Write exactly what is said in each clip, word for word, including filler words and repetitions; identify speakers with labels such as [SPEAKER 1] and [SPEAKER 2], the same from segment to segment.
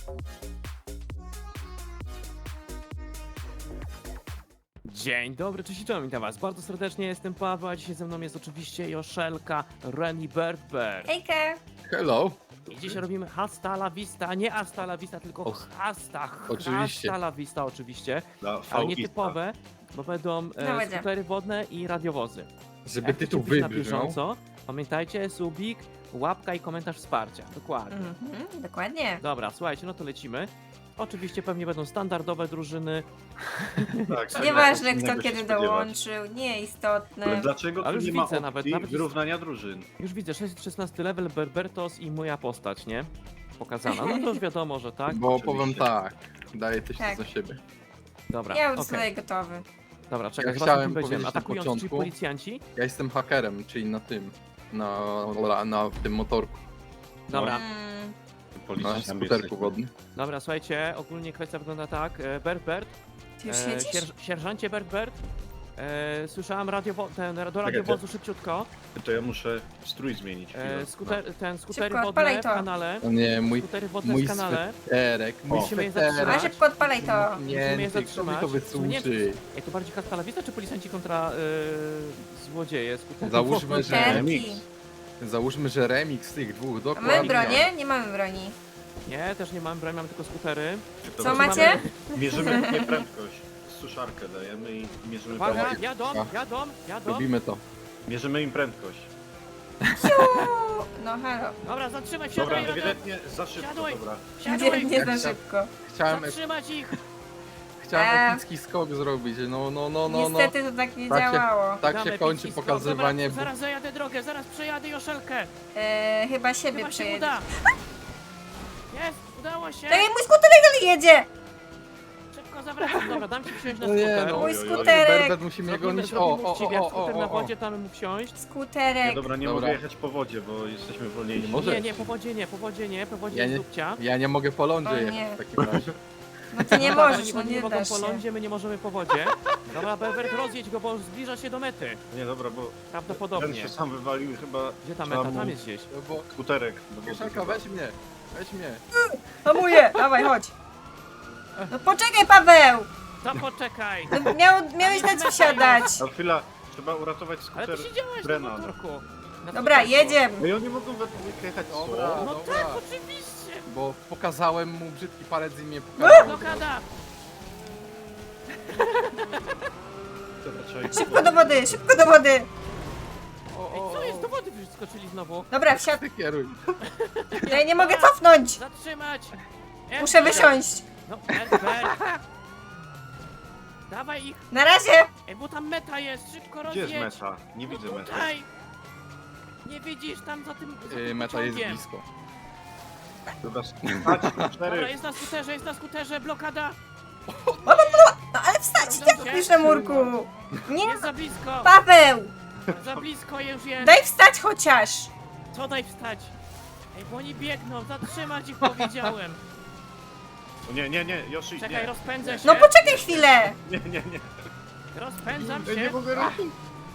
[SPEAKER 1] Dzień dobry, cześć i czołem, witam was bardzo serdecznie, jestem Paweł, a dzisiaj ze mną jest oczywiście Joszelka, Reni Birdbird.
[SPEAKER 2] Hejka!
[SPEAKER 3] Hello.
[SPEAKER 1] I dzisiaj robimy hasta la vista, nie hasta la vista, tylko
[SPEAKER 3] O,
[SPEAKER 1] hasta,
[SPEAKER 3] oczywiście.
[SPEAKER 1] hasta la vista oczywiście,
[SPEAKER 4] No,
[SPEAKER 1] ale
[SPEAKER 4] fałista.
[SPEAKER 1] nietypowe, bo będą
[SPEAKER 2] No
[SPEAKER 1] e,
[SPEAKER 2] będzie.
[SPEAKER 1] skutery wodne i radiowozy.
[SPEAKER 3] Żeby
[SPEAKER 1] Jak
[SPEAKER 3] tytuł
[SPEAKER 1] chcecie być na
[SPEAKER 3] wybrzmiał.
[SPEAKER 1] bieżąco, pamiętajcie, subik, łapka i komentarz wsparcia, dokładnie.
[SPEAKER 2] Mhm, dokładnie.
[SPEAKER 1] Dobra, słuchajcie, no to lecimy. Oczywiście pewnie będą standardowe drużyny,
[SPEAKER 4] Tak, tak,
[SPEAKER 2] Nieważne
[SPEAKER 4] innego
[SPEAKER 2] kto
[SPEAKER 4] się
[SPEAKER 2] kiedy
[SPEAKER 4] spodziewać.
[SPEAKER 2] dołączył,
[SPEAKER 4] Ale
[SPEAKER 2] nieistotne.
[SPEAKER 4] dlaczego
[SPEAKER 1] Ale
[SPEAKER 4] tu
[SPEAKER 1] już
[SPEAKER 4] nie ma
[SPEAKER 1] widzę
[SPEAKER 4] opcji
[SPEAKER 1] nawet- nawet jest-
[SPEAKER 4] wyrównania drużyn?
[SPEAKER 1] już widzę, szesnasty level, Berbertos i moja postać, nie? Pokazana, no to już wiadomo, że tak.
[SPEAKER 3] Bo
[SPEAKER 4] Oczywiście.
[SPEAKER 3] powiem tak, daję też
[SPEAKER 2] Tak.
[SPEAKER 3] za siebie.
[SPEAKER 1] Dobra,
[SPEAKER 2] Ja już
[SPEAKER 1] okej.
[SPEAKER 2] tutaj gotowy.
[SPEAKER 1] Dobra, czekaj,
[SPEAKER 3] Ja
[SPEAKER 1] zobaczmy,
[SPEAKER 3] chciałem
[SPEAKER 1] kim będziemy.
[SPEAKER 3] powiedzieć na
[SPEAKER 1] Atakujący, czyli
[SPEAKER 3] początku-
[SPEAKER 1] policjanci?
[SPEAKER 3] Ja jestem hakerem, czyli na tym. Na, na, na tym motorku.
[SPEAKER 1] Dobra,
[SPEAKER 2] Mm,
[SPEAKER 3] Na
[SPEAKER 4] Policjantami
[SPEAKER 3] skuterku
[SPEAKER 4] jesteśmy.
[SPEAKER 3] wodnym.
[SPEAKER 1] dobra, słuchajcie, ogólnie kwestia wygląda tak. E, Bert Bert,
[SPEAKER 2] ty już
[SPEAKER 1] e,
[SPEAKER 2] siedzisz?
[SPEAKER 1] sierż, sierżancie Bert Bert, e, słyszałam radiowo ten, do radiowozu szybciutko.
[SPEAKER 4] To ja muszę strój zmienić.
[SPEAKER 1] E,
[SPEAKER 4] chwilę.
[SPEAKER 1] skuter, ten skutery
[SPEAKER 2] Szybko,
[SPEAKER 1] wodne
[SPEAKER 2] odpalaj
[SPEAKER 1] w
[SPEAKER 2] to.
[SPEAKER 1] kanale.
[SPEAKER 3] O nie, mój,
[SPEAKER 1] Skutery wodne
[SPEAKER 3] mój
[SPEAKER 1] w kanale.
[SPEAKER 3] sweterek, mój
[SPEAKER 1] Musimy je
[SPEAKER 3] sweterek.
[SPEAKER 2] A
[SPEAKER 1] zatrzymać.
[SPEAKER 2] szybko odpalaj to.
[SPEAKER 1] Musimy je
[SPEAKER 3] Nie, kto mi
[SPEAKER 1] zatrzymać.
[SPEAKER 3] to
[SPEAKER 1] Nie,
[SPEAKER 3] wysłuży?
[SPEAKER 1] Jak to bardziej hasta la vista, czy policjanci kontra e, złodzieje? Skutery
[SPEAKER 3] Załóżmy,
[SPEAKER 1] wodne?
[SPEAKER 3] że-
[SPEAKER 2] Terki.
[SPEAKER 4] remix.
[SPEAKER 3] Załóżmy, że remix tych dwóch,
[SPEAKER 2] A
[SPEAKER 3] dokładnie.
[SPEAKER 2] mamy bronię? Nie mamy broni.
[SPEAKER 1] Nie, też nie mamy broni, mamy tylko skutery.
[SPEAKER 4] To
[SPEAKER 2] Co
[SPEAKER 4] mamy-
[SPEAKER 2] macie?
[SPEAKER 4] Mierzymy nie prędkość. Suszarkę dajemy i mierzymy
[SPEAKER 1] Uwaga,
[SPEAKER 4] prędkość.
[SPEAKER 1] jadą,
[SPEAKER 3] A.
[SPEAKER 1] jadą, jadą.
[SPEAKER 3] Robimy to.
[SPEAKER 4] Mierzymy im prędkość.
[SPEAKER 2] No halo.
[SPEAKER 1] Dobra, zatrzymaj,
[SPEAKER 4] Dobra,
[SPEAKER 1] wsiadaj, jadą.
[SPEAKER 4] ewidentnie za szybko,
[SPEAKER 1] Siadaj.
[SPEAKER 4] dobra.
[SPEAKER 2] Nie,
[SPEAKER 1] Siadaj,
[SPEAKER 2] nie za
[SPEAKER 3] Jak się-
[SPEAKER 2] szybko.
[SPEAKER 3] Chciałem,
[SPEAKER 1] zatrzymać ich.
[SPEAKER 3] chciałem
[SPEAKER 2] Eee.
[SPEAKER 3] epicki skok zrobić, no, no, no, no, no.
[SPEAKER 2] Niestety to tak nie
[SPEAKER 3] Tak się-
[SPEAKER 2] działało.
[SPEAKER 3] Tak
[SPEAKER 1] Damy
[SPEAKER 3] się kończy
[SPEAKER 1] epicki skok.
[SPEAKER 3] pokazywanie.
[SPEAKER 1] Dobra, zaraz zajadę drogę, zaraz przejadę Joszelkę.
[SPEAKER 2] E, chyba siebie
[SPEAKER 1] Chyba się
[SPEAKER 2] przejedzie.
[SPEAKER 1] uda. Jest, udało się.
[SPEAKER 2] Tak jak mój skuterek dalej jedzie!
[SPEAKER 1] Szybko zawracam. Dobra, dam ci wsiąść na
[SPEAKER 3] No nie,
[SPEAKER 1] skuter.
[SPEAKER 3] no,
[SPEAKER 2] Mój
[SPEAKER 4] Oj, oj, oj.
[SPEAKER 2] skuterek!
[SPEAKER 3] Berbet musimy
[SPEAKER 1] Zrobimy,
[SPEAKER 3] gonić. O,
[SPEAKER 1] zrobimy
[SPEAKER 3] o,
[SPEAKER 1] uczciwie, jak
[SPEAKER 3] o, o,
[SPEAKER 1] skuter na
[SPEAKER 3] o, o.
[SPEAKER 1] wodzie, damy mu wsiąść.
[SPEAKER 4] Nie,
[SPEAKER 2] Skuterek.
[SPEAKER 4] dobra, nie
[SPEAKER 3] Dobra.
[SPEAKER 4] mogę jechać po wodzie, bo jesteśmy wolniejsi.
[SPEAKER 3] Nie może.
[SPEAKER 1] Nie, nie, po wodzie nie, po wodzie nie, po wodzie
[SPEAKER 3] Ja
[SPEAKER 1] jest
[SPEAKER 3] nie-
[SPEAKER 1] dupcia.
[SPEAKER 3] Ja nie mogę po
[SPEAKER 2] O
[SPEAKER 3] lądzie
[SPEAKER 2] nie.
[SPEAKER 3] jechać w takim razie.
[SPEAKER 2] Bo ty nie
[SPEAKER 1] No tak,
[SPEAKER 2] możesz,
[SPEAKER 1] oni,
[SPEAKER 2] no
[SPEAKER 1] oni nie
[SPEAKER 2] nie
[SPEAKER 1] mogą
[SPEAKER 2] dasz
[SPEAKER 1] po
[SPEAKER 2] się.
[SPEAKER 1] lądzie, my nie możemy po wodzie. Dobra, Berbert, rozjedź go, bo zbliża się do mety.
[SPEAKER 4] Nie, dobra, bo ten
[SPEAKER 1] Prawdopodobnie.
[SPEAKER 4] się sam wywalił i chyba
[SPEAKER 1] Gdzie ta
[SPEAKER 4] trzeba
[SPEAKER 1] meta?
[SPEAKER 4] mu
[SPEAKER 1] Tam jest gdzieś.
[SPEAKER 3] No bo
[SPEAKER 4] skuterek. do wody
[SPEAKER 3] Kieszonka,
[SPEAKER 4] chyba.
[SPEAKER 3] weź mnie, weź mnie.
[SPEAKER 2] Hamuję, dawaj, chodź. No poczekaj, Paweł!
[SPEAKER 1] To poczekaj.
[SPEAKER 2] No, miał, miałeś dać wsiadać.
[SPEAKER 4] A chwila, trzeba uratować
[SPEAKER 1] Ale
[SPEAKER 4] skuter
[SPEAKER 1] ty siedziałeś na
[SPEAKER 4] Brennan.
[SPEAKER 1] motorku. Na
[SPEAKER 2] Dobra,
[SPEAKER 1] skuterku.
[SPEAKER 2] jedziemy.
[SPEAKER 4] No i oni mogą we dwójkę jechać
[SPEAKER 3] Dobra.
[SPEAKER 4] co?
[SPEAKER 1] No
[SPEAKER 3] Dobra.
[SPEAKER 1] tak, oczywiście.
[SPEAKER 3] Bo pokazałem mu brzydki palec i mnie pokazał.
[SPEAKER 1] Blokada.
[SPEAKER 4] Dobra, trzeba ich
[SPEAKER 2] Szybko do wody, szybko do wody.
[SPEAKER 3] O,
[SPEAKER 1] Ej,
[SPEAKER 3] o,
[SPEAKER 1] co jest? Do
[SPEAKER 3] o.
[SPEAKER 1] wody wyskoczyli znowu.
[SPEAKER 2] Dobra, wsiad.
[SPEAKER 3] Ty kieruj.
[SPEAKER 2] Ja nie mogę cofnąć.
[SPEAKER 1] Zatrzymać.
[SPEAKER 2] Muszę wysiąść.
[SPEAKER 1] No, Herbert. Dawaj ich.
[SPEAKER 2] Na razie.
[SPEAKER 1] Ej, bo tam meta jest. Szybko
[SPEAKER 4] Gdzie
[SPEAKER 1] rozjedź.
[SPEAKER 4] jest meta? Nie widzę mety.
[SPEAKER 1] Tutaj. Nie widzisz tam za tym, za
[SPEAKER 3] Yy,
[SPEAKER 1] tym
[SPEAKER 3] meta jest
[SPEAKER 1] pociągiem.
[SPEAKER 3] blisko.
[SPEAKER 4] Dobra, stać,
[SPEAKER 1] Dobra,
[SPEAKER 4] cztery.
[SPEAKER 1] jest na skuterze, jest na skuterze, blokada.
[SPEAKER 2] No ale wstać, jak piszę murku. Nie,
[SPEAKER 1] Jest za blisko.
[SPEAKER 2] Paweł.
[SPEAKER 1] Za blisko już jest.
[SPEAKER 2] Daj wstać chociaż.
[SPEAKER 1] Co daj wstać? Ej, bo oni biegną, zatrzymać ich powiedziałem.
[SPEAKER 4] O nie, nie, nie, Yoshi,
[SPEAKER 1] Czekaj,
[SPEAKER 4] nie.
[SPEAKER 1] rozpędzę się.
[SPEAKER 2] No poczekaj chwilę.
[SPEAKER 4] Nie, nie, nie.
[SPEAKER 1] Rozpędzam
[SPEAKER 4] Ja nie
[SPEAKER 1] się.
[SPEAKER 4] mogę ruszyć.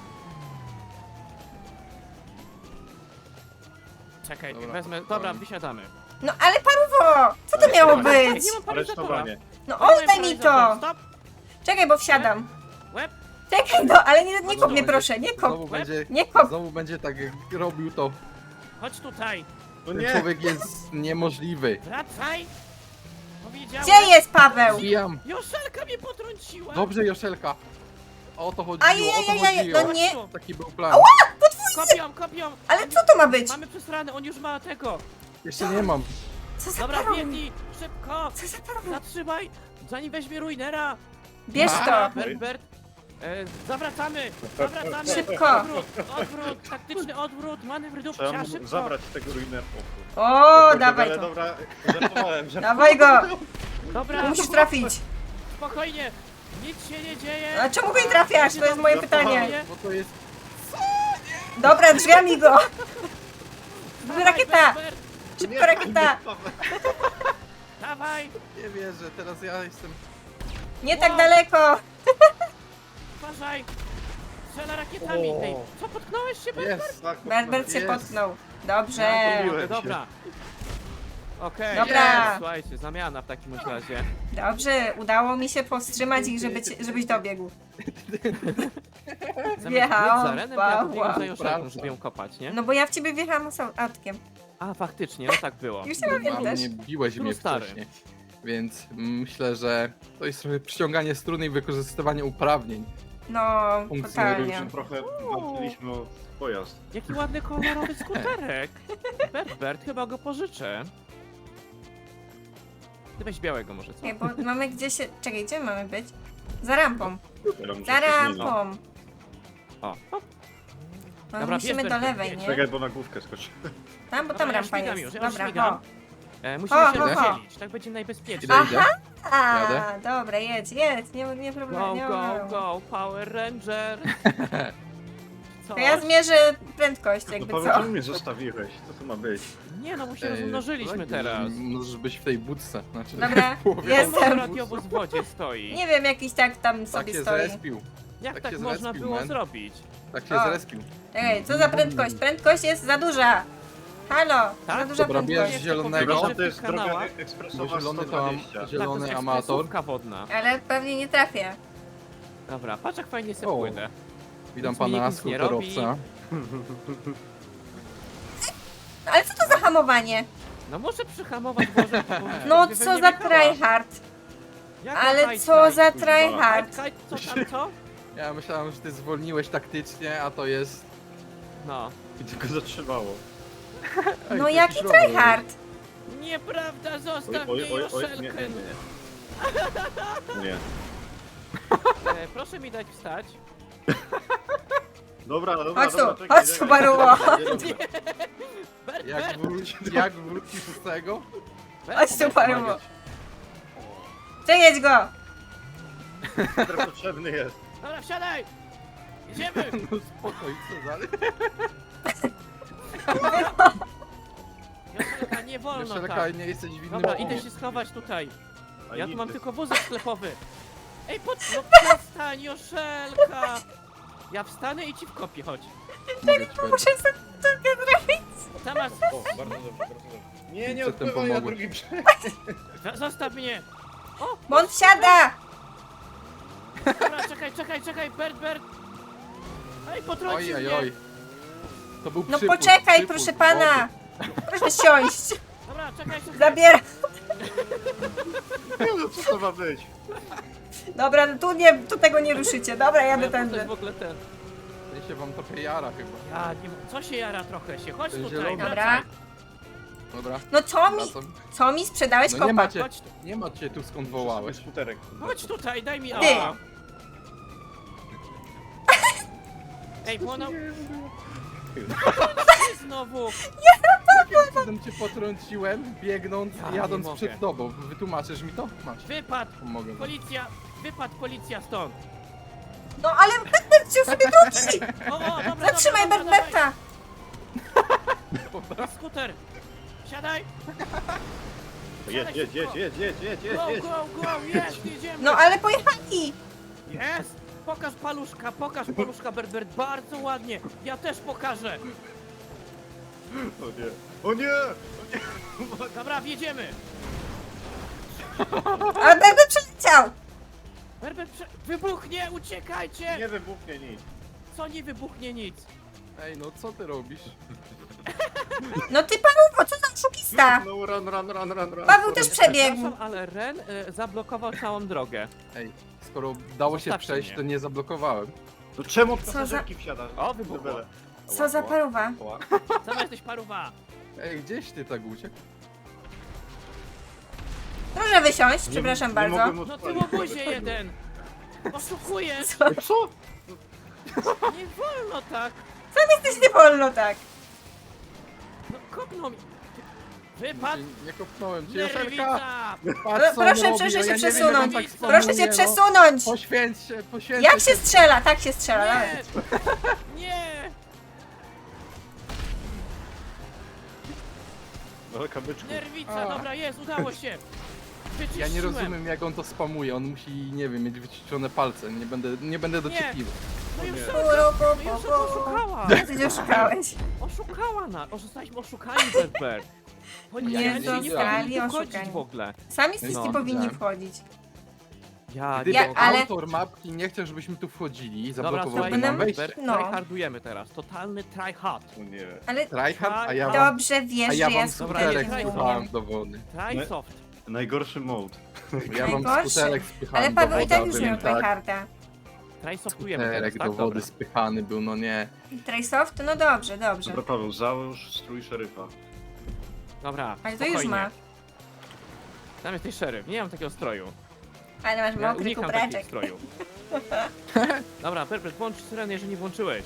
[SPEAKER 1] Czekaj,
[SPEAKER 3] Dobra.
[SPEAKER 1] wezmę. Dobra, wysiadamy.
[SPEAKER 2] No ale paruwo, co to miało być?
[SPEAKER 1] Ej, nie mam paralizatora.
[SPEAKER 4] Aresztowanie.
[SPEAKER 2] No
[SPEAKER 1] Dałem
[SPEAKER 2] oddaj mi to.
[SPEAKER 1] paralizator. Stop.
[SPEAKER 2] Czekaj, bo wsiadam.
[SPEAKER 1] Łeb.
[SPEAKER 2] Czekaj, no ale nie, nie kop
[SPEAKER 3] Znowu
[SPEAKER 2] mnie
[SPEAKER 3] będzie-
[SPEAKER 2] proszę, nie
[SPEAKER 3] Znowu
[SPEAKER 2] kop.
[SPEAKER 3] będzie,
[SPEAKER 2] Nie kop.
[SPEAKER 3] znowu będzie tak jak robił to.
[SPEAKER 1] Chodź tutaj.
[SPEAKER 4] No
[SPEAKER 3] Ten
[SPEAKER 4] nie.
[SPEAKER 3] człowiek jest niemożliwy.
[SPEAKER 1] Wracaj. Powiedziałem.
[SPEAKER 2] Gdzie jest Paweł?
[SPEAKER 3] Zbijam.
[SPEAKER 1] Joszelka mnie potrąciła.
[SPEAKER 3] Dobrze, Joszelka. O to chodziło, o to
[SPEAKER 2] Ajajajaj,
[SPEAKER 3] chodziło.
[SPEAKER 2] no nie.
[SPEAKER 3] Taki był plan.
[SPEAKER 1] Kopią, kopią.
[SPEAKER 2] Ale co to ma być?
[SPEAKER 1] Mamy przesrane, on już ma tego.
[SPEAKER 3] Jeszcze nie mam.
[SPEAKER 2] Co za
[SPEAKER 1] Dobra,
[SPEAKER 2] paruwo?
[SPEAKER 1] biegnij. Szybko.
[SPEAKER 2] Co za paruwo?
[SPEAKER 1] Zatrzymaj. Zanim weźmie ruinera.
[SPEAKER 2] Bierz
[SPEAKER 1] Dobra,
[SPEAKER 2] to.
[SPEAKER 1] Berbert. E, zawracamy. Zawracamy.
[SPEAKER 2] Szybko.
[SPEAKER 1] Odwrót, odwrót, taktyczny odwrót, manewr
[SPEAKER 4] Trzeba
[SPEAKER 1] dupcia,
[SPEAKER 4] mu
[SPEAKER 1] szybko.
[SPEAKER 4] zabrać tego ruinera.
[SPEAKER 2] O, dawaj
[SPEAKER 4] Ale
[SPEAKER 2] to.
[SPEAKER 4] dobra, żartowałem, żartowałem.
[SPEAKER 2] Dawaj go.
[SPEAKER 1] Dobra,
[SPEAKER 2] Musisz trafić.
[SPEAKER 1] spokojnie. Nic się nie dzieje.
[SPEAKER 2] A czemu go nie trafiasz? To jest moje pytanie.
[SPEAKER 3] Bo to jest...
[SPEAKER 2] Dobra, drzwiami go.
[SPEAKER 1] Dawaj,
[SPEAKER 2] Rakieta.
[SPEAKER 1] Berbert,
[SPEAKER 2] Szybko rakieta.
[SPEAKER 1] dawaj.
[SPEAKER 3] Nie wierzę, teraz ja jestem...
[SPEAKER 2] Nie tak daleko.
[SPEAKER 1] Uważaj. Strzela rakietami.
[SPEAKER 3] O.
[SPEAKER 1] Ej, co, potknąłeś się, Berbert?
[SPEAKER 3] Jest!
[SPEAKER 4] Tak,
[SPEAKER 2] Berbert się
[SPEAKER 3] Jest.
[SPEAKER 2] potknął. Dobrze.
[SPEAKER 4] Ja pomyliłem.
[SPEAKER 1] Dobra. Okej,
[SPEAKER 2] Dobra.
[SPEAKER 1] jest, słuchajcie, zamiana w takim razie.
[SPEAKER 2] Dobrze, udało mi się powstrzymać ich, żeby ci, żebyś dobiegł.
[SPEAKER 1] Zamiast
[SPEAKER 2] Wjechałam
[SPEAKER 1] biec za Renem, to ja
[SPEAKER 2] Pawła.
[SPEAKER 1] pobiegłem za Joszelką,
[SPEAKER 3] Prawda.
[SPEAKER 1] żeby ją kopać, nie?
[SPEAKER 2] No bo ja w ciebie wjechałam sam autkiem.
[SPEAKER 1] A, faktycznie, no tak było.
[SPEAKER 2] Już nie
[SPEAKER 3] A
[SPEAKER 2] pamiętasz?
[SPEAKER 3] mnie biłeś mnie
[SPEAKER 1] stary.
[SPEAKER 3] wcześniej. Więc myślę, że to jest trochę przyciąganie struny i wykorzystywanie uprawnień.
[SPEAKER 2] No, totalnie.
[SPEAKER 3] Funkcjonariuszy.
[SPEAKER 4] Trochę walczyliśmy o pojazd.
[SPEAKER 1] Jaki ładny kolorowy skuterek. Bert, Bert, chyba go pożyczę. Ty weź białego może, co?
[SPEAKER 2] Nie, bo mamy gdzieś się... Czekaj, gdzie mamy być? Za rampą.
[SPEAKER 4] Ja muszę
[SPEAKER 2] Za
[SPEAKER 4] coś
[SPEAKER 2] rampą.
[SPEAKER 1] O, o,
[SPEAKER 2] No,
[SPEAKER 1] Dobra,
[SPEAKER 2] musimy
[SPEAKER 1] bierz,
[SPEAKER 2] do
[SPEAKER 1] bierz,
[SPEAKER 2] lewej,
[SPEAKER 1] bierz.
[SPEAKER 2] nie?
[SPEAKER 4] Czekaj, bo na główkę skoczy.
[SPEAKER 2] Tam, bo
[SPEAKER 1] Dobra,
[SPEAKER 2] tam
[SPEAKER 1] ja
[SPEAKER 2] rampa
[SPEAKER 1] śmigam
[SPEAKER 2] jest.
[SPEAKER 1] już, ja już
[SPEAKER 2] Dobra,
[SPEAKER 1] śmigam.
[SPEAKER 2] ho.
[SPEAKER 1] e, musimy
[SPEAKER 2] Ho,
[SPEAKER 1] się
[SPEAKER 2] ho, ho.
[SPEAKER 1] rozdzielić, tak będzie najbezpieczniej.
[SPEAKER 3] Idę, idę.
[SPEAKER 2] A,
[SPEAKER 3] Jadę.
[SPEAKER 2] dobra, jedź, jedź, nie, nie problem,
[SPEAKER 1] Go,
[SPEAKER 2] nie
[SPEAKER 1] go,
[SPEAKER 2] ma.
[SPEAKER 1] go, Power Ranger. Co?
[SPEAKER 2] To ja zmierzę prędkość,
[SPEAKER 4] No
[SPEAKER 2] jakby
[SPEAKER 4] Paweł,
[SPEAKER 2] co.
[SPEAKER 4] czemu mnie zostawiłeś? Co to ma być?
[SPEAKER 1] Nie no, bo się
[SPEAKER 3] Ej,
[SPEAKER 1] rozmnożyliśmy
[SPEAKER 3] tak,
[SPEAKER 1] teraz.
[SPEAKER 3] że Możesz być w tej budce. Znaczy,
[SPEAKER 2] Dobra,
[SPEAKER 3] w połowie
[SPEAKER 2] jestem.
[SPEAKER 3] budki.
[SPEAKER 1] Radiowóz w wodzie stoi.
[SPEAKER 2] Nie wiem, jakiś tak tam
[SPEAKER 3] Tak
[SPEAKER 2] sobie
[SPEAKER 3] się
[SPEAKER 2] stoi.
[SPEAKER 3] zrespił.
[SPEAKER 1] Jak
[SPEAKER 3] tak
[SPEAKER 1] tak
[SPEAKER 3] się
[SPEAKER 1] można
[SPEAKER 3] zrespił,
[SPEAKER 1] było
[SPEAKER 3] man.
[SPEAKER 1] zrobić?
[SPEAKER 3] Tak się
[SPEAKER 2] O.
[SPEAKER 3] zrespił.
[SPEAKER 2] Ej, co za prędkość? Prędkość jest za duża. Halo, za
[SPEAKER 1] Tak?
[SPEAKER 2] duża
[SPEAKER 3] Dobra,
[SPEAKER 2] prędkość.
[SPEAKER 3] bierz zielonego.
[SPEAKER 4] Przepraszam,
[SPEAKER 1] w
[SPEAKER 4] to jest
[SPEAKER 1] tych
[SPEAKER 4] droga
[SPEAKER 1] kanałach.
[SPEAKER 3] Bo
[SPEAKER 4] ekspresowa
[SPEAKER 3] zielony
[SPEAKER 4] sto
[SPEAKER 3] to am,
[SPEAKER 4] dwadzieścia.
[SPEAKER 1] Tak, to
[SPEAKER 3] zielony
[SPEAKER 1] jest
[SPEAKER 3] amator.
[SPEAKER 1] ekspresówka wodna.
[SPEAKER 2] Ale pewnie nie trafię.
[SPEAKER 1] Dobra, patrz jak fajnie sobie
[SPEAKER 3] O.
[SPEAKER 1] płynę.
[SPEAKER 3] Witam
[SPEAKER 1] Nic mi
[SPEAKER 3] pana
[SPEAKER 1] nic nie
[SPEAKER 3] skuterowca.
[SPEAKER 2] No, ale co to za hamowanie?
[SPEAKER 1] No muszę przyhamować Boże.
[SPEAKER 2] No co za tryhard. Ale co za tryhard.
[SPEAKER 1] Kaj, co tam, co?
[SPEAKER 3] Ja myślałem, że ty zwolniłeś taktycznie, a to jest...
[SPEAKER 1] No.
[SPEAKER 4] Gdzie go zatrzymało?
[SPEAKER 3] Ej,
[SPEAKER 2] No
[SPEAKER 3] to
[SPEAKER 2] jaki
[SPEAKER 3] jakiś rower.
[SPEAKER 2] tryhard?
[SPEAKER 1] Nieprawda, zostaw
[SPEAKER 4] Oj,
[SPEAKER 1] mnie
[SPEAKER 4] oj, oj, oj,
[SPEAKER 1] Joszelkę.
[SPEAKER 4] nie, nie, nie. Nie.
[SPEAKER 1] E, proszę mi dać wstać.
[SPEAKER 4] Dobra, dobra,
[SPEAKER 2] Chodź tu,
[SPEAKER 4] dobra, czekaj,
[SPEAKER 2] chodź tu,
[SPEAKER 4] czekaj.
[SPEAKER 2] Baruło.
[SPEAKER 4] Nie, dobra.
[SPEAKER 1] Bert,
[SPEAKER 3] Jak,
[SPEAKER 1] Bert,
[SPEAKER 3] wróci, jak wrócisz z tego?
[SPEAKER 1] Bert,
[SPEAKER 2] Chodź tu,
[SPEAKER 1] Bert,
[SPEAKER 2] Baruło. Przejedź go.
[SPEAKER 4] Skuter potrzebny jest.
[SPEAKER 1] Dobra, wsiadaj! Jedziemy!
[SPEAKER 3] No spokój, co dalej?
[SPEAKER 1] Joszelka, nie wolno
[SPEAKER 3] Jeszcze
[SPEAKER 1] tak.
[SPEAKER 3] nie jesteś w innym
[SPEAKER 1] Dobra,
[SPEAKER 3] teamie.
[SPEAKER 1] idę się schować tutaj.
[SPEAKER 4] A
[SPEAKER 1] Ja tu mam
[SPEAKER 4] nigdy.
[SPEAKER 1] tylko wózek sklepowy. Ej, pod... no przestań, Joszelka! Ja wstanę i ci wkopię, chodź.
[SPEAKER 3] Mogę ci powiedzieć.
[SPEAKER 2] Muszę sobie trochę zrobić.
[SPEAKER 1] Zamiast...
[SPEAKER 4] O, bardzo dobrze, bardzo dobrze. Nie, nie
[SPEAKER 3] Przedtem
[SPEAKER 4] odpływaj na
[SPEAKER 3] pomogłem.
[SPEAKER 4] drugi brzeg.
[SPEAKER 1] Za- Zostaw mnie!
[SPEAKER 2] Bo on wsiada.
[SPEAKER 1] Dobra, czekaj, czekaj, czekaj, Bert, Bert! Ej, potrącił
[SPEAKER 3] Oj, oj,
[SPEAKER 1] mnie!
[SPEAKER 3] oj. To był
[SPEAKER 2] No
[SPEAKER 3] przypływ,
[SPEAKER 2] poczekaj,
[SPEAKER 3] przypływ
[SPEAKER 2] proszę
[SPEAKER 3] wody.
[SPEAKER 2] pana. Proszę siąść.
[SPEAKER 1] Dobra, czekaj, czekaj!
[SPEAKER 2] Zabieram.
[SPEAKER 4] Nie, no co to ma być?
[SPEAKER 2] Dobra, no tu nie, tu tego nie ruszycie. Dobra, jadę
[SPEAKER 1] Ja to
[SPEAKER 2] tędy.
[SPEAKER 1] jest w ogóle ten...
[SPEAKER 3] Ten się wam trochę jara chyba.
[SPEAKER 1] Ja nie... Co się jara trochę się? Chodź
[SPEAKER 3] Ten
[SPEAKER 1] tutaj,
[SPEAKER 3] zielony.
[SPEAKER 2] Dobra.
[SPEAKER 1] wracaj.
[SPEAKER 3] Dobra,
[SPEAKER 2] No co mi,
[SPEAKER 3] wracam.
[SPEAKER 2] co mi sprzedałeś
[SPEAKER 3] No nie
[SPEAKER 2] kopa?
[SPEAKER 3] macie,
[SPEAKER 1] Chodź tu.
[SPEAKER 3] nie macie tu skąd
[SPEAKER 4] Wołałeś
[SPEAKER 3] wołałeś.
[SPEAKER 4] skuterek.
[SPEAKER 1] Chodź tutaj, daj mi
[SPEAKER 2] Ty.
[SPEAKER 1] auto. Ej, bo ona... Ty znowu!
[SPEAKER 3] Jakim cudem cię potrąciłem, biegnąc,
[SPEAKER 1] Ja nie
[SPEAKER 3] jadąc
[SPEAKER 1] mogę.
[SPEAKER 3] przed tobą. Wytłumaczysz mi to? Masz.
[SPEAKER 1] Wypad!
[SPEAKER 3] Pomogę wam.
[SPEAKER 1] Policja! Wypad policja stąd!
[SPEAKER 2] No ale Berbert chciał sobie wrócić.
[SPEAKER 1] O, o, dobra,
[SPEAKER 2] Zatrzymaj
[SPEAKER 1] dobra, dobra,
[SPEAKER 2] Berberta.
[SPEAKER 1] dawaj. Skuter! Siadaj!
[SPEAKER 4] Jedź, jedź, jedź, jedź, jedź, jedź, jedź,
[SPEAKER 1] Go,
[SPEAKER 4] jedź.
[SPEAKER 1] go, go! Jest, jedziemy!
[SPEAKER 2] No ale pojechali.
[SPEAKER 1] Jest! Pokaż paluszka, pokaż paluszka, Berbert, bardzo ładnie! Ja też pokażę!
[SPEAKER 4] O nie, o nie!
[SPEAKER 1] Dobra, wjedziemy!
[SPEAKER 2] Ale Berbert przeleciał.
[SPEAKER 1] Berbert, prze... wybuchnie! Uciekajcie!
[SPEAKER 4] Nie wybuchnie nic.
[SPEAKER 1] Co nie wybuchnie nic?
[SPEAKER 3] Ej, no co ty robisz?
[SPEAKER 2] No ty Paweł, co za oszukista.
[SPEAKER 4] No run, run, run, run, run.
[SPEAKER 2] Paweł też przebiegł.
[SPEAKER 1] Przepraszam, ale Ren y, zablokował całą drogę.
[SPEAKER 3] Ej, skoro dało się
[SPEAKER 1] Zostawcie
[SPEAKER 3] przejść,
[SPEAKER 1] mnie.
[SPEAKER 3] to nie zablokowałem.
[SPEAKER 4] No czemu
[SPEAKER 2] za-
[SPEAKER 4] pasażerki wsiadasz?
[SPEAKER 1] O, wybuchło.
[SPEAKER 4] Debele.
[SPEAKER 2] Co za paruwa.
[SPEAKER 4] Ła.
[SPEAKER 1] Sama jesteś paruwa!
[SPEAKER 3] Ej, gdzieś ty tak uciekł?
[SPEAKER 2] Proszę wysiąść,
[SPEAKER 4] Nie-
[SPEAKER 2] przepraszam
[SPEAKER 4] nie
[SPEAKER 2] bardzo.
[SPEAKER 4] mogłem
[SPEAKER 1] No ty
[SPEAKER 4] odpalić
[SPEAKER 1] łobuzie
[SPEAKER 4] tego.
[SPEAKER 1] jeden! Oszukujesz!
[SPEAKER 4] Co?
[SPEAKER 1] Nie wolno tak!
[SPEAKER 2] Jesteś nie wolno tak.
[SPEAKER 1] No kopnął mi! Wypad!
[SPEAKER 3] Nie, nie kopnąłem cię, Joszelka!
[SPEAKER 1] Nerwica!
[SPEAKER 3] Patrz, co on
[SPEAKER 2] Proszę,
[SPEAKER 3] robi,
[SPEAKER 2] proszę
[SPEAKER 3] no
[SPEAKER 2] się
[SPEAKER 3] ja nie wiem,
[SPEAKER 2] przesunąć.
[SPEAKER 3] jak on tak
[SPEAKER 2] Proszę
[SPEAKER 3] spamuje,
[SPEAKER 2] cię
[SPEAKER 3] no.
[SPEAKER 2] przesunąć.
[SPEAKER 3] Poświęć się, poświęć
[SPEAKER 2] Jak się strzela? Tak się strzela.
[SPEAKER 1] Nie!
[SPEAKER 2] Nawet.
[SPEAKER 1] Nie!
[SPEAKER 4] No kamyczku.
[SPEAKER 1] Nerwica,
[SPEAKER 3] A.
[SPEAKER 1] dobra, jest, udało się!
[SPEAKER 3] Ja nie
[SPEAKER 1] Wyczyściłem.
[SPEAKER 3] rozumiem, jak on to spamuje. On musi, nie wiem, mieć wyciszone palce. Nie będę, nie będę dociekliwy.
[SPEAKER 1] No już
[SPEAKER 4] Nie.
[SPEAKER 1] sobie,
[SPEAKER 2] Puru, pu,
[SPEAKER 1] no już
[SPEAKER 2] pu,
[SPEAKER 1] sobie
[SPEAKER 2] pu.
[SPEAKER 1] oszukała!
[SPEAKER 2] Ty oszukałeś.
[SPEAKER 1] Oszukała nas! O, zostaliśmy oszukani, Berber! Oni
[SPEAKER 2] Nie
[SPEAKER 1] ja nie
[SPEAKER 2] zostali
[SPEAKER 1] powinni wchodzić
[SPEAKER 2] oszukani.
[SPEAKER 1] w ogóle.
[SPEAKER 2] Sami wszyscy
[SPEAKER 1] No,
[SPEAKER 2] powinni
[SPEAKER 3] widziałem.
[SPEAKER 2] wchodzić.
[SPEAKER 1] Ja,
[SPEAKER 3] Gdyby
[SPEAKER 2] Ja- ale-
[SPEAKER 3] autor mapki nie chciał, żebyśmy tu wchodzili,
[SPEAKER 1] Dobra,
[SPEAKER 3] zablokowałby
[SPEAKER 1] słuchajcie,
[SPEAKER 2] Będę-
[SPEAKER 3] nam wejście.
[SPEAKER 1] Ber-
[SPEAKER 2] No.
[SPEAKER 1] tryhardujemy teraz. Totalny tryhard.
[SPEAKER 4] O nie.
[SPEAKER 2] Ale
[SPEAKER 3] Tryhard, a ja wam,
[SPEAKER 2] dobrze wiesz,
[SPEAKER 3] a ja
[SPEAKER 2] że ja
[SPEAKER 3] wam
[SPEAKER 1] Dobra,
[SPEAKER 3] skuterek
[SPEAKER 1] nie,
[SPEAKER 2] skuterek nie
[SPEAKER 3] spychałem
[SPEAKER 2] umiem.
[SPEAKER 3] do wody.
[SPEAKER 1] Trysoft.
[SPEAKER 4] Najgorszy mode.
[SPEAKER 3] Ja wam
[SPEAKER 2] Najgorsze.
[SPEAKER 3] skuterek spychałem
[SPEAKER 2] Ale
[SPEAKER 3] do
[SPEAKER 2] Paweł i
[SPEAKER 3] wody,
[SPEAKER 2] tak
[SPEAKER 3] a
[SPEAKER 2] już
[SPEAKER 3] wy
[SPEAKER 2] miał
[SPEAKER 3] mi tak.
[SPEAKER 2] tryharda.
[SPEAKER 1] Trysoftujemy teraz,
[SPEAKER 3] Skuterek
[SPEAKER 1] tak?
[SPEAKER 3] do wody
[SPEAKER 1] Dobra.
[SPEAKER 3] spychany był, no nie.
[SPEAKER 2] Trysoft? No dobrze, dobrze.
[SPEAKER 4] Dobra, Paweł, załóż strój szeryfa.
[SPEAKER 1] Dobra,
[SPEAKER 2] Ale to
[SPEAKER 1] spokojnie.
[SPEAKER 2] już ma.
[SPEAKER 1] Tam jesteś szeryf, nie mam takiego stroju.
[SPEAKER 2] Ale masz
[SPEAKER 1] Ja
[SPEAKER 2] mokry
[SPEAKER 1] unikam takich
[SPEAKER 2] kubreczek.
[SPEAKER 1] strojów. Dobra, Perpet, włącz syrenę, jeżeli nie włączyłeś.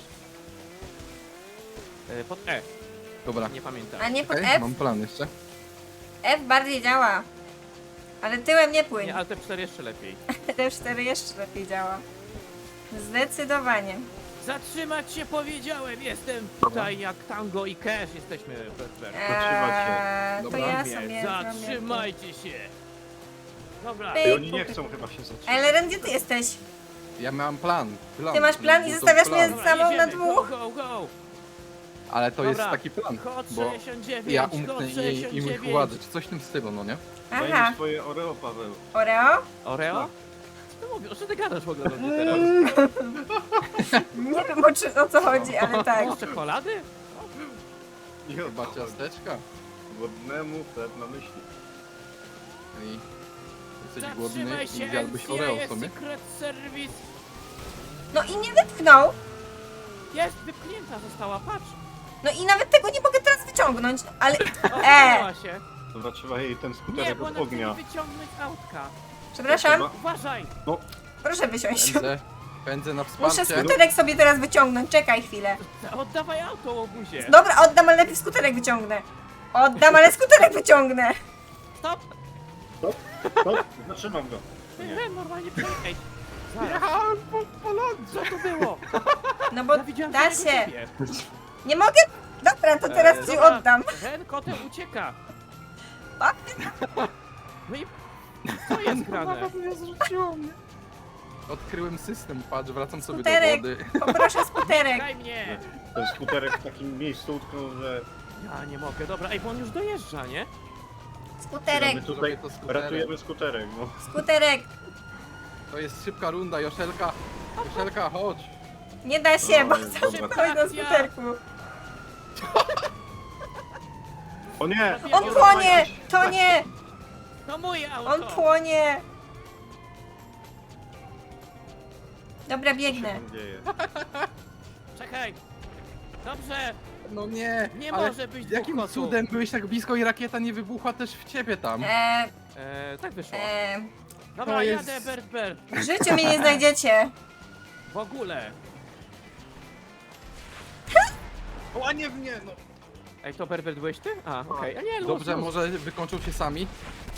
[SPEAKER 1] E, Pod E,
[SPEAKER 3] Dobra,
[SPEAKER 1] nie pamiętam.
[SPEAKER 2] A nie pod
[SPEAKER 3] okej,
[SPEAKER 2] F?
[SPEAKER 3] mam plan jeszcze.
[SPEAKER 2] F bardziej działa. Ale tyłem nie płyń.
[SPEAKER 1] Nie, ale te cztery jeszcze lepiej.
[SPEAKER 2] T cztery jeszcze lepiej działa. Zdecydowanie.
[SPEAKER 1] Zatrzymać się powiedziałem, jestem tutaj jak Tango i Cash jesteśmy, Perpet.
[SPEAKER 2] Eee, to
[SPEAKER 3] Dobra.
[SPEAKER 2] ja
[SPEAKER 1] Mówię,
[SPEAKER 2] sobie
[SPEAKER 1] zatrzymajcie się. Dobra,
[SPEAKER 2] Ej,
[SPEAKER 4] I oni nie chcą chyba się zatrzymać.
[SPEAKER 2] Ale Ren, gdzie ty jesteś?
[SPEAKER 3] Ja miałem plan, plan.
[SPEAKER 2] Ty masz plan i
[SPEAKER 3] Był to
[SPEAKER 2] zostawiasz
[SPEAKER 3] plan.
[SPEAKER 2] mnie samą na
[SPEAKER 1] jedziemy.
[SPEAKER 2] dwóch?
[SPEAKER 1] Go, go, go.
[SPEAKER 3] Ale to
[SPEAKER 1] Dobra.
[SPEAKER 3] jest taki plan,
[SPEAKER 1] Kod
[SPEAKER 3] bo
[SPEAKER 1] sześćdziesiąt dziewięć,
[SPEAKER 3] ja
[SPEAKER 1] kod
[SPEAKER 3] umknę i,
[SPEAKER 1] sześćdziesiąt
[SPEAKER 3] i mój
[SPEAKER 1] dziewięć.
[SPEAKER 3] władzę, czy coś w tym stylu, no nie?
[SPEAKER 2] Aha,
[SPEAKER 4] Daj mi swoje Oreo, Paweł.
[SPEAKER 2] Oreo?
[SPEAKER 1] Oreo? Co ty mówisz? O czym ty gadasz w ogóle do mnie teraz?
[SPEAKER 2] Nie wiem o, czy, o co chodzi, ale tak.
[SPEAKER 1] Masz czekolady?
[SPEAKER 4] Nie
[SPEAKER 3] Chyba
[SPEAKER 4] odpal.
[SPEAKER 3] ciasteczka.
[SPEAKER 4] Głodnemu chleb na myśli.
[SPEAKER 3] I jesteś głodny
[SPEAKER 1] Zatrzymaj
[SPEAKER 3] i
[SPEAKER 1] się,
[SPEAKER 3] zjadłbyś
[SPEAKER 1] N C I A
[SPEAKER 3] Oreo
[SPEAKER 1] jest
[SPEAKER 3] sobie.
[SPEAKER 1] Secret Service.
[SPEAKER 2] No i nie wypchnął.
[SPEAKER 1] Jest, wypchnięta została, patrz.
[SPEAKER 2] No i nawet tego nie mogę teraz wyciągnąć, ale...
[SPEAKER 1] O,
[SPEAKER 2] E!
[SPEAKER 1] e. się.
[SPEAKER 4] Dobra, trzeba jej ten
[SPEAKER 1] Nie,
[SPEAKER 4] skuterek
[SPEAKER 1] bo
[SPEAKER 4] od
[SPEAKER 1] ona chce
[SPEAKER 4] ognia.
[SPEAKER 1] mi wyciągnąć z autka.
[SPEAKER 2] Przepraszam,
[SPEAKER 4] Trzeba-
[SPEAKER 1] Uważaj.
[SPEAKER 2] proszę wysiąść.
[SPEAKER 3] Pędzę, pędzę na
[SPEAKER 2] Muszę
[SPEAKER 3] wsparcie.
[SPEAKER 2] skuterek sobie teraz wyciągnąć, czekaj chwilę.
[SPEAKER 1] Oddawaj auto, łobuzie.
[SPEAKER 2] Dobra, oddam, ale najpierw skuterek wyciągnę. Oddam, ale skuterek wyciągnę.
[SPEAKER 1] Stop.
[SPEAKER 4] To, zatrzymam go. Nie.
[SPEAKER 1] Nie, normalnie przejechaj. Zaraz.
[SPEAKER 3] Jechałem po, po lądzie.
[SPEAKER 1] Co to było?
[SPEAKER 2] No bo
[SPEAKER 1] Ja widziałem
[SPEAKER 2] da
[SPEAKER 1] tylko
[SPEAKER 2] się.
[SPEAKER 1] ciebie.
[SPEAKER 2] Nie mogę? Dobra, to teraz
[SPEAKER 1] E,
[SPEAKER 2] ci
[SPEAKER 1] dobra.
[SPEAKER 2] oddam.
[SPEAKER 1] Ten kotem ucieka.
[SPEAKER 2] A?
[SPEAKER 1] No i co jest grane?
[SPEAKER 3] mnie zrzuciło mnie. Odkryłem system, patrz, wracam sobie
[SPEAKER 2] Skuterek.
[SPEAKER 3] do wody.
[SPEAKER 2] Poproszę skuterek.
[SPEAKER 1] Daj mnie.
[SPEAKER 4] Ten skuterek w takim miejscu utknął, że
[SPEAKER 1] Ja nie mogę, dobra, ej, bo on już dojeżdża, nie?
[SPEAKER 2] Skuterek,
[SPEAKER 4] my tutaj
[SPEAKER 3] Zrobię to skuterek.
[SPEAKER 4] ratujemy skuterek. No.
[SPEAKER 2] skuterek.
[SPEAKER 3] To jest szybka runda, Joszelka. Joszelka, chodź.
[SPEAKER 2] Nie da się, bo
[SPEAKER 4] Oj,
[SPEAKER 2] za
[SPEAKER 4] dobra.
[SPEAKER 2] szybko jest na skuterku.
[SPEAKER 4] O nie!
[SPEAKER 2] On płonie! To nie!
[SPEAKER 1] To moje auto.
[SPEAKER 2] On płonie! Dobra,
[SPEAKER 4] Co się
[SPEAKER 2] biegnę.
[SPEAKER 4] tam dzieje?
[SPEAKER 1] Czekaj. Dobrze.
[SPEAKER 3] No nie,
[SPEAKER 1] Nie
[SPEAKER 3] ale
[SPEAKER 1] może być dwóch
[SPEAKER 3] jakim
[SPEAKER 1] kotów.
[SPEAKER 3] cudem byłeś tak blisko i rakieta nie wybuchła też w ciebie tam?
[SPEAKER 2] Eee,
[SPEAKER 1] E, tak wyszło.
[SPEAKER 2] eee,
[SPEAKER 1] Dobra,
[SPEAKER 3] to jest-
[SPEAKER 1] jadę, Bert, Bert.
[SPEAKER 2] w życiu mnie nie znajdziecie.
[SPEAKER 1] W ogóle.
[SPEAKER 4] O, a nie w nie, no!
[SPEAKER 1] Ej, to Bert, Bert, byłeś ty? A, okej. A nie, luz,
[SPEAKER 3] Dobrze,
[SPEAKER 1] luz.
[SPEAKER 3] może wykończą się sami?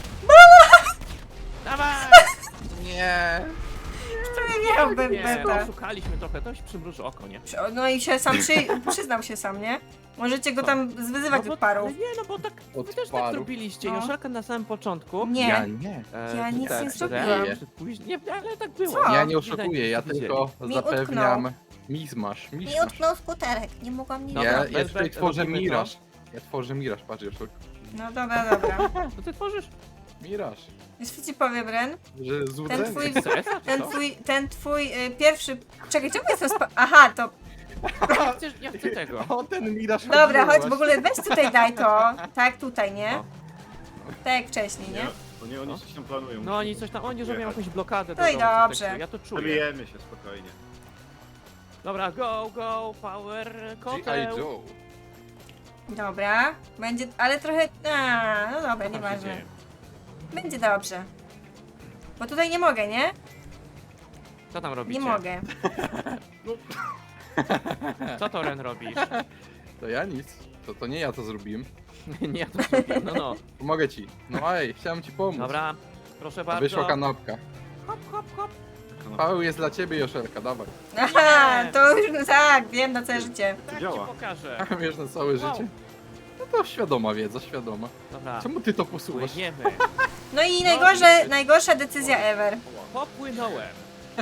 [SPEAKER 1] Dawaj!
[SPEAKER 3] Nie.
[SPEAKER 2] To nie miał
[SPEAKER 1] Nie,
[SPEAKER 2] Berbeta.
[SPEAKER 1] oszukaliśmy trochę, to się przymruży oko, nie?
[SPEAKER 2] No i się sam przy... przyznał się sam, nie? Możecie go tam zwyzywać
[SPEAKER 1] bo,
[SPEAKER 2] od parów.
[SPEAKER 1] ale nie, no bo tak, wy
[SPEAKER 3] Od
[SPEAKER 1] też tak
[SPEAKER 3] parów.
[SPEAKER 1] zrobiliście.
[SPEAKER 2] No.
[SPEAKER 1] Joszelka na samym początku.
[SPEAKER 2] Nie.
[SPEAKER 3] Ja nie.
[SPEAKER 1] E,
[SPEAKER 2] Ja nic
[SPEAKER 1] tak,
[SPEAKER 2] nie
[SPEAKER 1] że
[SPEAKER 2] zrobiłam.
[SPEAKER 1] Ren, Później, nie, ale tak było.
[SPEAKER 2] Co?
[SPEAKER 3] Ja nie oszukuję, ja
[SPEAKER 1] Widzieli.
[SPEAKER 3] tylko
[SPEAKER 2] Mi
[SPEAKER 3] zapewniam mizmasz,
[SPEAKER 2] Mi
[SPEAKER 3] mizmasz.
[SPEAKER 2] utknął skuterek, nie mogłam nic
[SPEAKER 1] Dobra,
[SPEAKER 3] Ja,
[SPEAKER 2] zrobić.
[SPEAKER 3] ja
[SPEAKER 1] bez-
[SPEAKER 3] tutaj
[SPEAKER 1] bez-
[SPEAKER 3] tworzę
[SPEAKER 1] robimy to.
[SPEAKER 3] miraż. Ja tworzę miraż, patrz Joszelka.
[SPEAKER 2] No dobra, dobra.
[SPEAKER 1] Co ty tworzysz?
[SPEAKER 3] Miraż.
[SPEAKER 2] Wiesz co ci powiem, Ren?
[SPEAKER 3] Że
[SPEAKER 2] Ten
[SPEAKER 3] złudzenie.
[SPEAKER 2] twój,
[SPEAKER 1] C S a czy
[SPEAKER 2] ten
[SPEAKER 1] co?
[SPEAKER 2] twój, ten twój y, pierwszy... Czekaj, czemu jestem spa... Aha, to...
[SPEAKER 1] Ja chcę, ja chcę tego.
[SPEAKER 3] O, ten miraż
[SPEAKER 2] Dobra,
[SPEAKER 3] chodziło
[SPEAKER 2] chodź w ogóle, weź tutaj daj to. Tak, tutaj, nie?
[SPEAKER 1] No.
[SPEAKER 2] Tak jak wcześniej, nie?
[SPEAKER 4] Nie, o nie, oni coś tam planują.
[SPEAKER 1] No oni coś tam, oni robią
[SPEAKER 4] Jechać.
[SPEAKER 1] jakąś blokadę.
[SPEAKER 2] No i
[SPEAKER 1] drogową, coś
[SPEAKER 2] dobrze.
[SPEAKER 1] takiego, Ja to czuję.
[SPEAKER 4] Zabijemy się spokojnie.
[SPEAKER 1] Dobra, go, go, power,
[SPEAKER 3] G I.
[SPEAKER 1] koteł.
[SPEAKER 3] Joe.
[SPEAKER 2] Dobra, będzie, ale trochę... A, no dobra,
[SPEAKER 1] Co tam się
[SPEAKER 2] nieważne.
[SPEAKER 1] dzieje?
[SPEAKER 2] Będzie dobrze. Bo tutaj nie mogę, nie?
[SPEAKER 1] Co tam robicie?
[SPEAKER 2] Nie mogę.
[SPEAKER 1] Co to Ren robisz?
[SPEAKER 3] To ja nic. To, to nie ja to zrobiłem.
[SPEAKER 1] Nie, ja to zrobiłem, no no.
[SPEAKER 3] Pomogę ci. No ej, chciałem ci pomóc.
[SPEAKER 1] Dobra, proszę
[SPEAKER 3] A
[SPEAKER 1] bardzo.
[SPEAKER 3] wyszła kanapka.
[SPEAKER 1] Hop, hop, hop.
[SPEAKER 3] Paweł jest dla ciebie, Joszelka, dawaj.
[SPEAKER 2] Aha, to już tak, wiem na całe życie.
[SPEAKER 1] Tak ci
[SPEAKER 4] Działa.
[SPEAKER 1] pokażę.
[SPEAKER 3] Wiesz na całe
[SPEAKER 1] Wow.
[SPEAKER 3] życie. No to świadoma wiedza, świadoma.
[SPEAKER 1] Dobra,
[SPEAKER 3] Czemu ty to posuwasz?
[SPEAKER 1] płyniemy.
[SPEAKER 2] No i najgorsze, najgorsza decyzja ever.
[SPEAKER 1] Popłynąłem.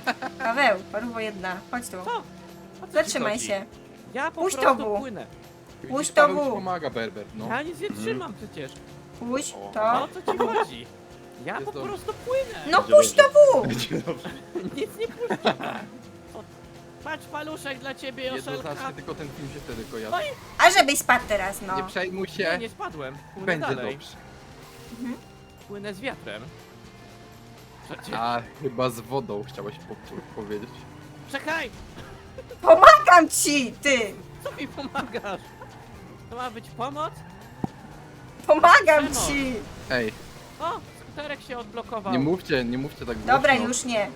[SPEAKER 2] Paweł, paruwo jedna, chodź tu.
[SPEAKER 1] Co? O co ci
[SPEAKER 2] Zatrzymaj
[SPEAKER 1] chodzi?
[SPEAKER 2] się.
[SPEAKER 1] Ja po
[SPEAKER 2] Puść
[SPEAKER 1] prostu
[SPEAKER 2] to w.
[SPEAKER 1] płynę.
[SPEAKER 2] Puść
[SPEAKER 3] Widzisz,
[SPEAKER 2] to
[SPEAKER 3] Paweł ci
[SPEAKER 2] w.
[SPEAKER 3] pomaga, Berber, no.
[SPEAKER 1] Ja nic nie trzymam przecież.
[SPEAKER 2] Puść
[SPEAKER 3] O.
[SPEAKER 1] O
[SPEAKER 2] to.
[SPEAKER 1] co ci chodzi? Ja
[SPEAKER 3] Jest
[SPEAKER 1] po
[SPEAKER 3] dobrze.
[SPEAKER 1] prostu płynę.
[SPEAKER 2] No
[SPEAKER 4] Będzie
[SPEAKER 2] puść to
[SPEAKER 4] dobrze.
[SPEAKER 2] w.
[SPEAKER 4] Będzie dobrze.
[SPEAKER 1] Nic nie puszczam. O, patrz paluszek dla ciebie, Joszelka.
[SPEAKER 3] Jednoznacznie tylko ten film się wtedy kojarzy.
[SPEAKER 1] Oj.
[SPEAKER 2] A żebyś spadł teraz,
[SPEAKER 3] Nie
[SPEAKER 2] no.
[SPEAKER 3] przejmuj
[SPEAKER 1] Nie,
[SPEAKER 3] się,
[SPEAKER 1] nie spadłem. Płynę
[SPEAKER 3] będzie
[SPEAKER 1] dalej.
[SPEAKER 3] dobrze.
[SPEAKER 1] Płynę z wiatrem. Przecież.
[SPEAKER 3] A, chyba z wodą chciałeś po powiedzieć.
[SPEAKER 1] Czekaj!
[SPEAKER 2] Pomagam ci, ty.
[SPEAKER 1] Co mi pomagasz? To ma być pomoc?
[SPEAKER 2] Pomagam
[SPEAKER 1] Przemoc.
[SPEAKER 2] ci.
[SPEAKER 3] Ej,
[SPEAKER 1] O, skuterek się odblokował.
[SPEAKER 3] nie mówcie, nie mówcie tak głośno.
[SPEAKER 2] Dobra, już nie.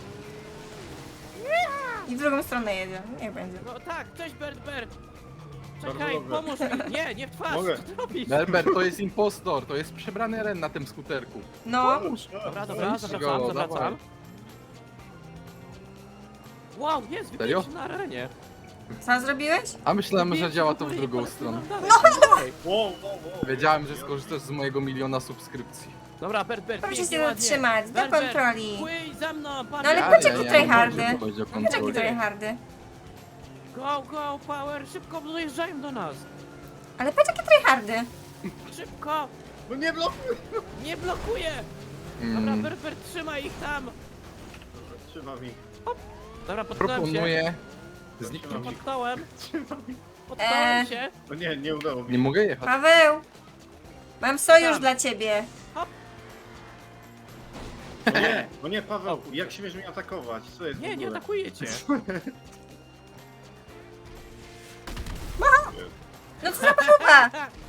[SPEAKER 2] I w drugą stronę jedzie. Niech będzie.
[SPEAKER 1] No tak, cześć Bert Bert.
[SPEAKER 4] Bardzo
[SPEAKER 1] Czekaj,
[SPEAKER 4] dobrze.
[SPEAKER 1] pomóż mi. Nie, nie w twarz.
[SPEAKER 4] Mogę.
[SPEAKER 1] Co ty robisz?
[SPEAKER 3] Berber to jest impostor, to jest przebrany Ren na tym skuterku.
[SPEAKER 2] No.
[SPEAKER 1] Dobra, dobra,
[SPEAKER 3] Weź
[SPEAKER 1] zawracam,
[SPEAKER 3] go,
[SPEAKER 1] zawracam.
[SPEAKER 3] dawaj.
[SPEAKER 1] Wow, jest,
[SPEAKER 3] Serio?
[SPEAKER 1] wybiegł na arenie.
[SPEAKER 2] Co zrobiłeś?
[SPEAKER 3] A myślałem, że
[SPEAKER 1] Wybiegł
[SPEAKER 3] działa
[SPEAKER 1] do
[SPEAKER 3] to w
[SPEAKER 1] góry i
[SPEAKER 3] drugą
[SPEAKER 1] poleciał
[SPEAKER 3] stronę.
[SPEAKER 1] nam dalej, dalej.
[SPEAKER 4] Wow, wow, wow.
[SPEAKER 3] Wiedziałem, że skorzystasz z mojego miliona subskrypcji.
[SPEAKER 1] Dobra, Bert Bert,
[SPEAKER 2] Proszę
[SPEAKER 1] pięknie,
[SPEAKER 2] się
[SPEAKER 1] ładnie.
[SPEAKER 2] zatrzymać, do
[SPEAKER 1] Bert, Bert,
[SPEAKER 2] kontroli.
[SPEAKER 1] Płyń za mną, pan
[SPEAKER 2] No ale
[SPEAKER 1] Bert.
[SPEAKER 2] patrz, jaki tryhardy.
[SPEAKER 3] nie chodzi o
[SPEAKER 2] Patrz jaki
[SPEAKER 3] kontrolę.
[SPEAKER 2] tryhardy.
[SPEAKER 1] Go, go, power, szybko dojeżdżają do nas.
[SPEAKER 2] Ale patrz jakie tryhardy.
[SPEAKER 1] Szybko,
[SPEAKER 4] No nie blokuj!
[SPEAKER 1] nie blokuje. Dobra,
[SPEAKER 3] Mm,
[SPEAKER 1] Bert Bert, trzymaj ich tam.
[SPEAKER 4] Trzymam ich.
[SPEAKER 1] Dobra, potknąłem się.
[SPEAKER 3] proponuję zniknąć ich.
[SPEAKER 1] Potknąłem,
[SPEAKER 4] Trzymam ich.
[SPEAKER 1] potknąłem
[SPEAKER 2] Eee.
[SPEAKER 1] się.
[SPEAKER 4] No nie, nie udało mi
[SPEAKER 3] Nie
[SPEAKER 4] się.
[SPEAKER 3] mogę jechać.
[SPEAKER 2] Paweł. Mam sojusz
[SPEAKER 1] Tam.
[SPEAKER 2] dla ciebie.
[SPEAKER 4] No nie, no nie, Paweł, jak śmiesz mnie atakować? Co jest w
[SPEAKER 1] Nie, nie
[SPEAKER 4] ogóle?
[SPEAKER 1] atakuje cię.
[SPEAKER 2] No co za papuga?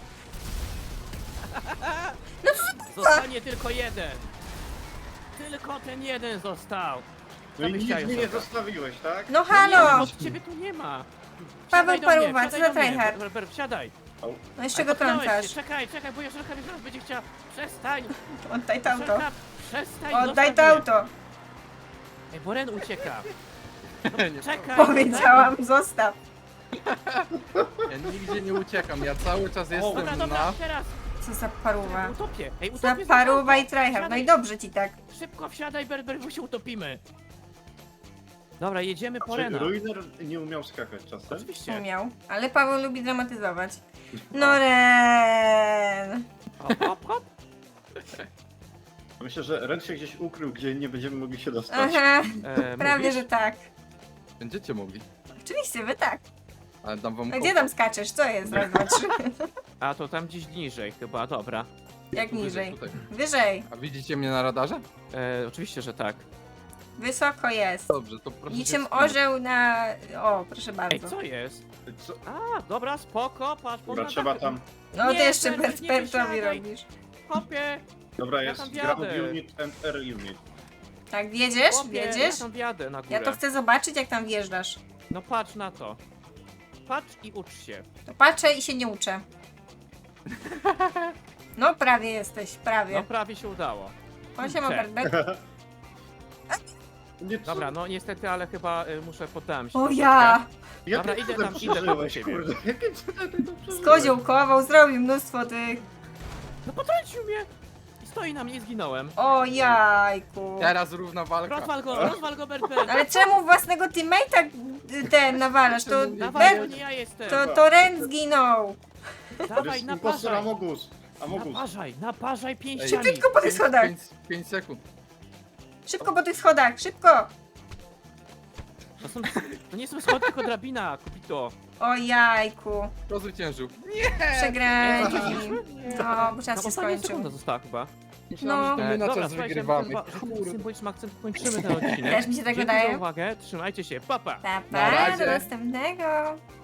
[SPEAKER 2] No co za papuga?
[SPEAKER 1] Zostanie tylko jeden. Tylko ten jeden został.
[SPEAKER 4] No i
[SPEAKER 1] byś
[SPEAKER 4] nic
[SPEAKER 1] chciał,
[SPEAKER 4] mi nie
[SPEAKER 1] Joszelka?
[SPEAKER 4] zostawiłeś, tak?
[SPEAKER 2] No
[SPEAKER 1] Nie,
[SPEAKER 2] halo.
[SPEAKER 1] bo ciebie tu nie ma.
[SPEAKER 2] Paweł
[SPEAKER 1] Wsiadaj do mnie,
[SPEAKER 2] Paruwa, co
[SPEAKER 1] wsiadaj
[SPEAKER 2] za
[SPEAKER 1] do mnie.
[SPEAKER 2] tryhard?
[SPEAKER 1] Ber- Ber, wsiadaj.
[SPEAKER 2] No jeszcze go
[SPEAKER 1] Potknąłeś się.
[SPEAKER 2] trącasz.
[SPEAKER 1] Czekaj, czekaj, bo Joszelka mnie zaraz będzie chciała. Przestań.
[SPEAKER 2] Oddaj to auto.
[SPEAKER 1] Joszelka, przestań.
[SPEAKER 2] Oddaj
[SPEAKER 1] zostaw
[SPEAKER 2] to
[SPEAKER 1] mnie.
[SPEAKER 2] auto.
[SPEAKER 1] Ej, bo Ren ucieka.
[SPEAKER 3] Nie,
[SPEAKER 1] Czekaj.
[SPEAKER 2] Powiedziałam, zostaw.
[SPEAKER 3] ja nigdzie nie uciekam, ja cały czas
[SPEAKER 1] Dobra,
[SPEAKER 3] jestem
[SPEAKER 1] dobra,
[SPEAKER 3] na...
[SPEAKER 1] teraz.
[SPEAKER 2] Co za paruwa.
[SPEAKER 1] Utopię. Ej,
[SPEAKER 2] Za
[SPEAKER 1] utopię.
[SPEAKER 2] paruwa i
[SPEAKER 1] auto.
[SPEAKER 2] tryhard. No
[SPEAKER 1] Wsiadaj.
[SPEAKER 2] i dobrze ci tak.
[SPEAKER 1] Szybko wsiadaj, Berber, bo się utopimy. Dobra, jedziemy po
[SPEAKER 4] Czy
[SPEAKER 1] Rena.
[SPEAKER 4] Ruiner nie umiał skakać czasem?
[SPEAKER 1] Oczywiście.
[SPEAKER 2] Umiał. Ale Paweł lubi dramatyzować. No Ren.
[SPEAKER 1] Hop, hop, hop.
[SPEAKER 4] Myślę, że Ren się gdzieś ukrył, gdzie nie będziemy mogli się dostać.
[SPEAKER 2] Aha,
[SPEAKER 1] E,
[SPEAKER 2] prawie
[SPEAKER 1] mówisz?
[SPEAKER 2] że tak.
[SPEAKER 3] Będziecie mogli.
[SPEAKER 2] Oczywiście, wy tak.
[SPEAKER 3] Ale dam wam
[SPEAKER 2] A gdzie
[SPEAKER 3] kopa.
[SPEAKER 2] tam skaczesz? Co jest? Raz, dwa, trzy.
[SPEAKER 1] A to tam gdzieś niżej chyba, dobra.
[SPEAKER 2] Jak
[SPEAKER 3] Tu wyżej,
[SPEAKER 2] niżej?
[SPEAKER 3] tutaj.
[SPEAKER 2] Wyżej.
[SPEAKER 3] A widzicie mnie na radarze?
[SPEAKER 1] E, oczywiście, że tak.
[SPEAKER 2] Wysoko jest.
[SPEAKER 3] Dobrze, to proszę
[SPEAKER 2] Niczym
[SPEAKER 3] się wstrzymać.
[SPEAKER 2] orzeł na... O, proszę
[SPEAKER 1] Ej,
[SPEAKER 2] bardzo.
[SPEAKER 1] co jest?
[SPEAKER 4] Co?
[SPEAKER 1] A, dobra, spoko, patrz,
[SPEAKER 4] Dobra,
[SPEAKER 1] poza
[SPEAKER 4] trzeba tam...
[SPEAKER 2] No ty
[SPEAKER 1] Nie,
[SPEAKER 2] jeszcze
[SPEAKER 1] Berber,
[SPEAKER 2] Bert
[SPEAKER 1] nie
[SPEAKER 2] Bertowi
[SPEAKER 1] wysiadaj.
[SPEAKER 2] robisz.
[SPEAKER 1] Hopie,
[SPEAKER 4] Dobra,
[SPEAKER 1] Ja
[SPEAKER 4] jest
[SPEAKER 1] tam
[SPEAKER 4] ground
[SPEAKER 1] wjadę.
[SPEAKER 4] unit and air unit.
[SPEAKER 2] Tak, wjedziesz?
[SPEAKER 1] hopie,
[SPEAKER 2] Wjedziesz?
[SPEAKER 1] ja tam wjadę na górę.
[SPEAKER 2] Ja to chcę zobaczyć, jak tam wjeżdżasz.
[SPEAKER 1] No patrz na to. Patrz i ucz się.
[SPEAKER 2] To patrzę i się nie uczę. No prawie jesteś,
[SPEAKER 1] No
[SPEAKER 2] prawie.
[SPEAKER 1] prawie się udało.
[SPEAKER 2] O, siema
[SPEAKER 1] Cześć.
[SPEAKER 2] Bert Bert.
[SPEAKER 4] Nie, co?
[SPEAKER 1] Dobra, no niestety, ale chyba y, muszę poddałem się.
[SPEAKER 2] O
[SPEAKER 1] troszeczkę.
[SPEAKER 2] ja!
[SPEAKER 4] Jak
[SPEAKER 1] Dobra,
[SPEAKER 4] ty
[SPEAKER 1] idę
[SPEAKER 4] to
[SPEAKER 1] tam, idę tam do
[SPEAKER 4] przeżyłeś,
[SPEAKER 1] ciebie.
[SPEAKER 4] kurde? Jakie cudem ty to przeżyłeś?
[SPEAKER 2] Skoziołkował, zrobił mnóstwo tych.
[SPEAKER 1] No potrącił mnie! I stoi na mnie i zginąłem.
[SPEAKER 2] O jajku.
[SPEAKER 3] Teraz równa walka.
[SPEAKER 1] Rozwal go, rozwal go, Bert Bert.
[SPEAKER 2] Ale czemu własnego teammate'a y, ten nawalasz? To,
[SPEAKER 1] Dawaj, to
[SPEAKER 2] Bert,
[SPEAKER 1] nie ja jestem.
[SPEAKER 2] to, to Ren zginął.
[SPEAKER 4] To
[SPEAKER 1] Dawaj,
[SPEAKER 4] jest impostor
[SPEAKER 1] naparzaj.
[SPEAKER 4] Amogus. Amogus.
[SPEAKER 1] Naparzaj, naparzaj
[SPEAKER 3] Ej,
[SPEAKER 1] pięściami.
[SPEAKER 2] Szybko po tych schodach.
[SPEAKER 3] pięć sekund.
[SPEAKER 2] Szybko po tych schodach, szybko.
[SPEAKER 1] To, są, to nie są schody, tylko drabina, Kupito.
[SPEAKER 2] O jajku.
[SPEAKER 3] Kto zwyciężył?
[SPEAKER 2] Przegrali.
[SPEAKER 1] Zwyciężyliśmy?
[SPEAKER 2] No, bo
[SPEAKER 1] No,
[SPEAKER 2] czas się
[SPEAKER 1] ostatnia
[SPEAKER 2] skończył.
[SPEAKER 1] sekunda została chyba.
[SPEAKER 3] Myślałem,
[SPEAKER 2] No.
[SPEAKER 3] że to my na
[SPEAKER 1] dobra,
[SPEAKER 3] czas
[SPEAKER 1] słuchajcie,
[SPEAKER 3] wygrywamy.
[SPEAKER 1] chyba, że tym
[SPEAKER 3] Kurde.
[SPEAKER 1] symbolicznym akcentem kończymy ten odcinek.
[SPEAKER 2] Też mi się tak
[SPEAKER 1] Dzięki
[SPEAKER 2] wydaje.
[SPEAKER 1] za uwagę, trzymajcie się, papa.
[SPEAKER 2] Pa,
[SPEAKER 3] Na
[SPEAKER 2] pa,
[SPEAKER 3] razie.
[SPEAKER 2] do następnego.